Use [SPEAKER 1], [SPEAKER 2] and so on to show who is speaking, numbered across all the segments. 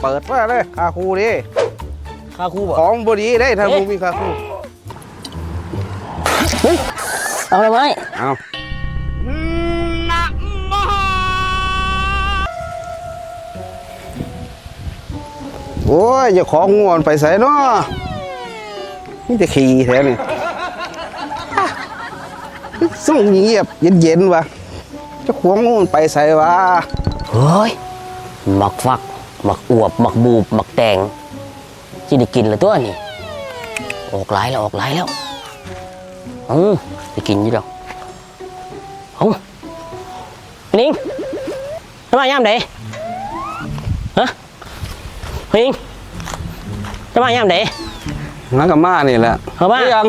[SPEAKER 1] เปิดว่าเลยคาคูดิ
[SPEAKER 2] คาคูบ่
[SPEAKER 1] ของบดีได้ถ้ามึงมีคาคู
[SPEAKER 2] เอาเลยไหม
[SPEAKER 1] เอาโอ้ยอย่าของงวนไปใส่เนาะนี่จะขี่แท้นี่ส่งเงียบเย็นๆวะจะขวงงวนไปใส่วะ
[SPEAKER 2] เฮ้ยหมักฟักหมักอวบหมักบูบหมักแตงที่ได้กินแล้วตัวนี่ออกหลายแล้วได้กินอยู่ดอกนิ่งทำไมย่ำเด๋ฮะนิ่งทำไมย่ำเด๋
[SPEAKER 1] นักกับมานี่แหละ
[SPEAKER 2] เขาบ้า
[SPEAKER 1] ยัง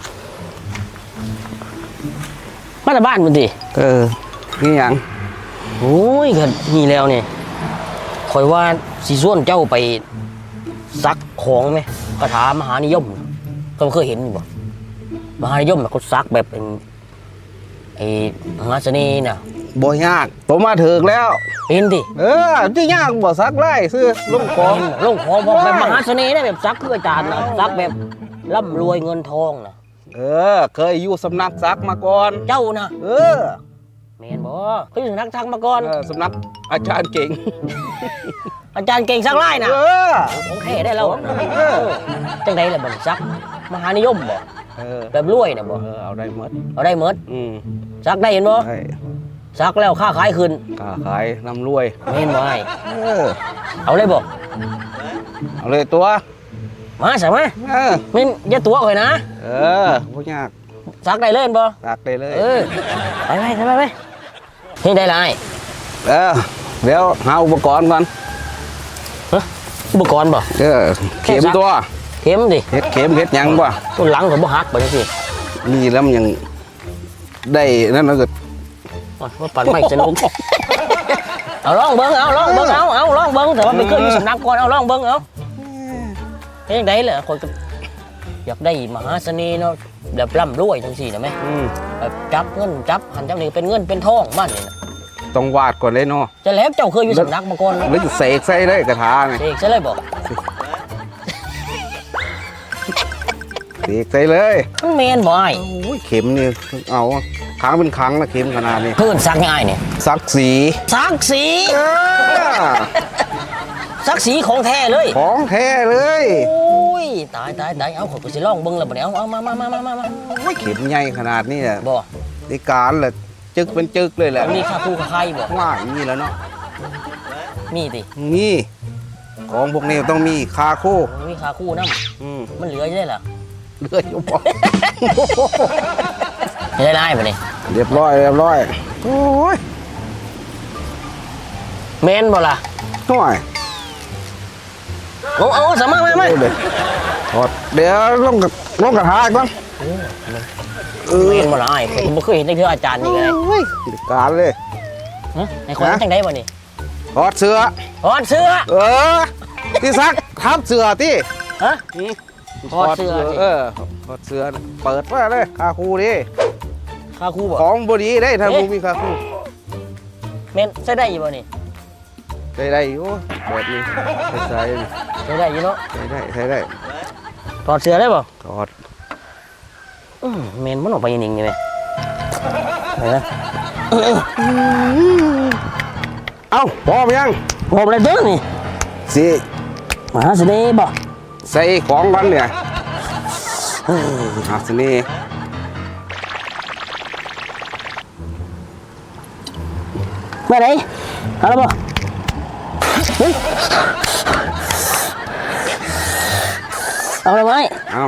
[SPEAKER 2] มาแต่บ้านมันดิ
[SPEAKER 1] นี่ยัง
[SPEAKER 2] โอ้ยก็นี่แล้วเนี่ยคอยว่าสีส่วนเจ้าไปซักของไหมคาถามหานิยมก็เคยเห็นอยู่บ่มหานิยมเขาซักแบบเป็นไอ้มหาเสน่ห์น่ะ
[SPEAKER 1] บ่ยากผมมาถึงแล้ว
[SPEAKER 2] เห็นดิ
[SPEAKER 1] ที่ยากบ่ซักไล่ซื้อลงของ
[SPEAKER 2] พอแบบมหาเสน่ห์นะแบบซักคืออาจารย์นะซักแบบร่ำรวยเงินทองนะ
[SPEAKER 1] เคยอยู่สำนักซักมาก่อน
[SPEAKER 2] เจ้านะเมนบ่เคยอยู่สำนักซักมาก่อน
[SPEAKER 1] สำนักอาจารย์เก่ง
[SPEAKER 2] อาจารย์เก่งซักไล่นะของแท้ได้แล้วจังไดล่ะบัดซักมหานิยมบ่แบบรวยนะบ่
[SPEAKER 1] เอาได้หมด
[SPEAKER 2] ซักได้เห็นบ่ซักแล้วค่าขายขึ้น
[SPEAKER 1] ค่าขายนำรวย
[SPEAKER 2] เห็นบ่ไอ้เอาเลยบ่
[SPEAKER 1] เอาเลยตัว
[SPEAKER 2] มาใช่ไหมไม่อย่าตัวเลยนะ
[SPEAKER 1] พวกยาก
[SPEAKER 2] ซักได้เลยบ่
[SPEAKER 1] ซักได้เลย
[SPEAKER 2] ไปเฮ้ยได้ไร
[SPEAKER 1] เดี๋ยวหาอุปกรณ์ก่อน
[SPEAKER 2] อุปกรณ์บ่
[SPEAKER 1] เข็มตัว
[SPEAKER 2] เข็มดิ
[SPEAKER 1] เข็มยังบ่
[SPEAKER 2] ต้นหลังของบ่ฮักบ่จังซี่
[SPEAKER 1] นี่แล้วมันยังได้นั่นแล้วก็
[SPEAKER 2] ว่าปั่นไม่สนุกเอาลองเบิ้งเอาลองเบิ้งแต่ว่าไปเคยอยู่สำนักก่อนเอาลองเบิ้งเอาเฮ้ยได้เลยคนอยากได้มหาเสน่ห์เนาะแบบร่ำรวยจังซี่นะแม่แบบจับเงินจับหันจับนี่เป็นเงินเป็นทองบ้านนี่นะ
[SPEAKER 1] ต้องวาดก่อนเลยเนาะ
[SPEAKER 2] จะแล้วเจ้าเคยอยู่สำนักมาก่อน
[SPEAKER 1] แล้วเสกใส่เลยกระถาง
[SPEAKER 2] เสกใส่เลยบอก
[SPEAKER 1] เสกใส่เลย
[SPEAKER 2] เมนบ่ไอ้
[SPEAKER 1] เข็มนี่เอาครั้งเป็นครั้งนะเข็มขนาดนี้
[SPEAKER 2] เพื่อนซักง่ายเนี่ย
[SPEAKER 1] ซักสี
[SPEAKER 2] ของแท้เลยโอ้ยตายเอาขอกูสิลองเบิ้งแล้วบ่เนี่ยเอามา
[SPEAKER 1] เข็มใหญ่ขนาดนี้อ่ะ
[SPEAKER 2] บ่
[SPEAKER 1] ในการแหละจึกเป็นจึกเลยแหละ
[SPEAKER 2] มีคาคู่กับใครบ่
[SPEAKER 1] ว่าอย่างนี้แล้วเนาะ
[SPEAKER 2] มีดิ
[SPEAKER 1] มีของพวกนี้ต้องมีคาคู่
[SPEAKER 2] มีคาคู่น้ำมันเหลือใช่เหรอ
[SPEAKER 1] เหลืออยู่บ่
[SPEAKER 2] ได้บ่เนี่ย
[SPEAKER 1] เรียบร้อยโอ้ย
[SPEAKER 2] เมนบ่ล่ะ
[SPEAKER 1] ห่วย
[SPEAKER 2] เอาสามารถไหม
[SPEAKER 1] เดี๋ยวลงกระทะก่อน
[SPEAKER 2] เมนบ่ล่ะไอ้ผมไม่เคยเห็นในเทืออาจารย์นี่ไง
[SPEAKER 1] การเลย
[SPEAKER 2] ไอ้คนจังได้บ่นี่
[SPEAKER 1] ถอดเสื้อที่ซักทับเสื้อที่
[SPEAKER 2] ถอดเสื้อ
[SPEAKER 1] ถอดเสื้อเปิดว่าเลยคาคูดิ
[SPEAKER 2] คาคูบ่
[SPEAKER 1] ของบดีได้ถ้ามึงมีคาคู
[SPEAKER 2] เมนใช้ได้บ่นี่
[SPEAKER 1] ได้อยู่แบบนี้ใช้
[SPEAKER 2] ได้อยู่เนาะ
[SPEAKER 1] ใช้ได้
[SPEAKER 2] ถอดเสื้อได้บ่
[SPEAKER 1] ถอด
[SPEAKER 2] เมนมันออกไปยังไงเนี่ย
[SPEAKER 1] เอ้าพร้อมยัง
[SPEAKER 2] พร้อมเลยเด้อนี่
[SPEAKER 1] สิ
[SPEAKER 2] มหาเสน่ห์บ่
[SPEAKER 1] ใส่ของกันเนี่ยมหาเสน่ห์
[SPEAKER 2] เมื่อไหร่เอาละบ่เอาเลยไหม
[SPEAKER 1] เอา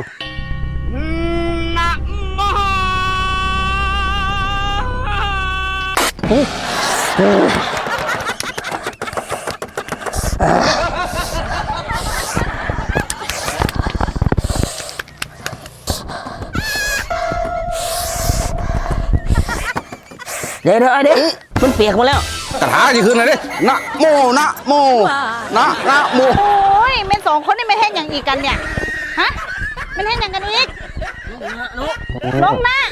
[SPEAKER 2] เดี๋ยวมันเปียกมาแล้ว
[SPEAKER 1] กระถาจะขึ้นเลยดินะโม
[SPEAKER 3] โอ้ยเม่นสองคนนี่ไม่เห็นอย่างอีกกันเนี่ยฮะไม่เห็นอย่างกันอีกลงนะ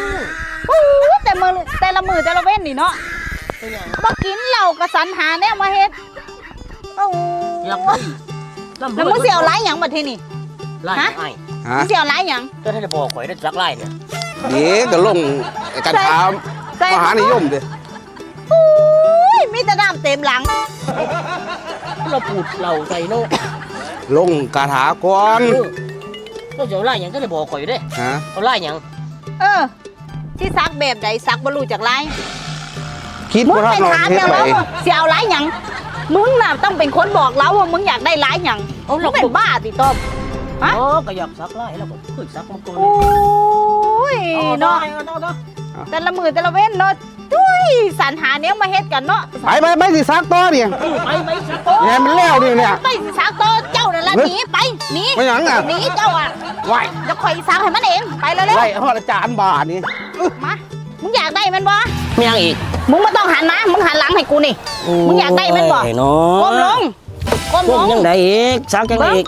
[SPEAKER 3] แต่ละมือแต่ละเว้นนี่เนาะมากินเหล้ากระสันหาแนวมาเฮ็ดโอ้
[SPEAKER 2] อยากได้
[SPEAKER 3] แล้วมึงเสียวร้ายหยังบัดทีนี่
[SPEAKER 2] ไล่ไอ้
[SPEAKER 1] ฮะ
[SPEAKER 3] มึงเสียวร้ายหยัง
[SPEAKER 2] ก็ถ้าจะบอกข่อยได้สักไล่เนี่ย
[SPEAKER 1] เดี๋ยวก็ลงกระถาม
[SPEAKER 3] ใส่
[SPEAKER 1] มหานิยมดิ
[SPEAKER 3] อุ้ยมีแต่น้ำเต็มหลัง
[SPEAKER 2] เราปูดเราใส่โน่
[SPEAKER 1] ลงกระถาก่อน
[SPEAKER 2] เราจะไล่หยังก็จะบอกข่อยได้
[SPEAKER 1] ฮะ
[SPEAKER 2] เขาไล่หยัง
[SPEAKER 3] ที่ซักแบบใดซักบรรลุจากร้าย
[SPEAKER 1] คิด
[SPEAKER 3] มึง
[SPEAKER 1] ว่า
[SPEAKER 3] ไป
[SPEAKER 1] นอน
[SPEAKER 3] ถาม
[SPEAKER 1] เท
[SPEAKER 3] แล้ว
[SPEAKER 1] ไป
[SPEAKER 3] ว่าเสียวร้ายหยังมึงน่ะต้องเป็นคนบอกเราว่ามึงอยากได้ร้ายหยังมึงเป็นบ้าติต้อม ฮะ
[SPEAKER 2] อ๋อก็อยากซักไล่แล้วก็เคยซักมาก่อน
[SPEAKER 3] โอ้ยเนาะแต่ละมือแต่ละเว้นเนาะจุ้ยสรรหาเนี้ยมาเฮ็ดกันเนาะ
[SPEAKER 1] ไปสิซักต่อเนี่ย
[SPEAKER 2] ไปซัก
[SPEAKER 1] เนี่ยมันแล้วนี่เนี่ย
[SPEAKER 3] ไปสิซักโตเจ้านั่นแหละหนีไปหนี
[SPEAKER 1] ไม่หยังอ่ะ
[SPEAKER 3] หนีเจ้าอ่ะ
[SPEAKER 1] ไหว
[SPEAKER 3] จะคอยซักให้มันเองไปเลย
[SPEAKER 1] ไหวเพราะอาจารย์บานี่
[SPEAKER 3] มามึงอยากได้มันบ่
[SPEAKER 2] ไม่ยังอีก
[SPEAKER 3] มึงไม่ต้องหันนะมึงหันหลังให้กูนี่ มึงอยากได้มันบ่
[SPEAKER 2] เนาะ
[SPEAKER 3] ก้มลงก้ม
[SPEAKER 2] ก้
[SPEAKER 3] ล
[SPEAKER 2] ม
[SPEAKER 3] ง
[SPEAKER 2] ยังไงอีกซักยังไงอีก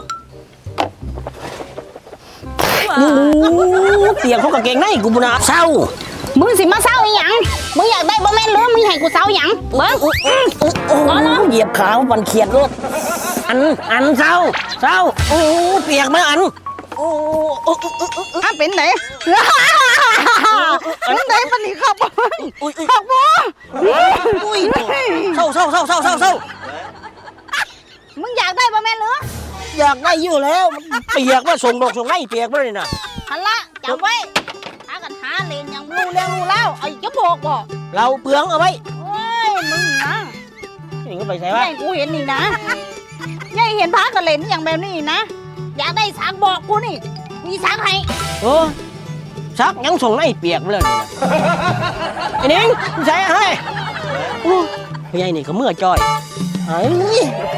[SPEAKER 2] เตียงเขากางเกงในกูบุญาเศร้า
[SPEAKER 3] มึงสิมาเศร้าอีหยังมึงอยากได้บ่แม่นหรือมึงให้กูเศร้าหยังเบิ้ง
[SPEAKER 2] โอ้เหยียบขาวันเขียดรถอันเศร้าโอ้เปียกไหมอันโอ้
[SPEAKER 3] อ่ะเป็นไหนเป็นไหนปานนี้ครับครับบ่
[SPEAKER 2] อุ้ยเศร้า
[SPEAKER 3] มึงอยากได้บ่แม่นหรือ
[SPEAKER 2] อยากได้อยู่แล้วเปียกมาส่งดอกส่งไล่เปียกมาเลยนะ
[SPEAKER 3] หันละจำไว้หากันหาเลนอย่างรู้เรื่องรู้แล้วไอ้จะบอกบ่
[SPEAKER 2] เราเปลืองเอาไว้
[SPEAKER 3] โอ้ยมึงนะ
[SPEAKER 2] นี่ก็ไปใส่
[SPEAKER 3] ยา
[SPEAKER 2] ว่า
[SPEAKER 3] ยกูเห็นนี่นะยายเห็นพากันเล่นอย่างแบบนี้นะอยากได้สักบอกกูนี่มีสักให้
[SPEAKER 2] โอ้ซักยังส่งไล่เปียกมาเลยนะไอ้นิ้งใส่ให้พี่ใหญ่นี่ก็เมื่อจอยไอ้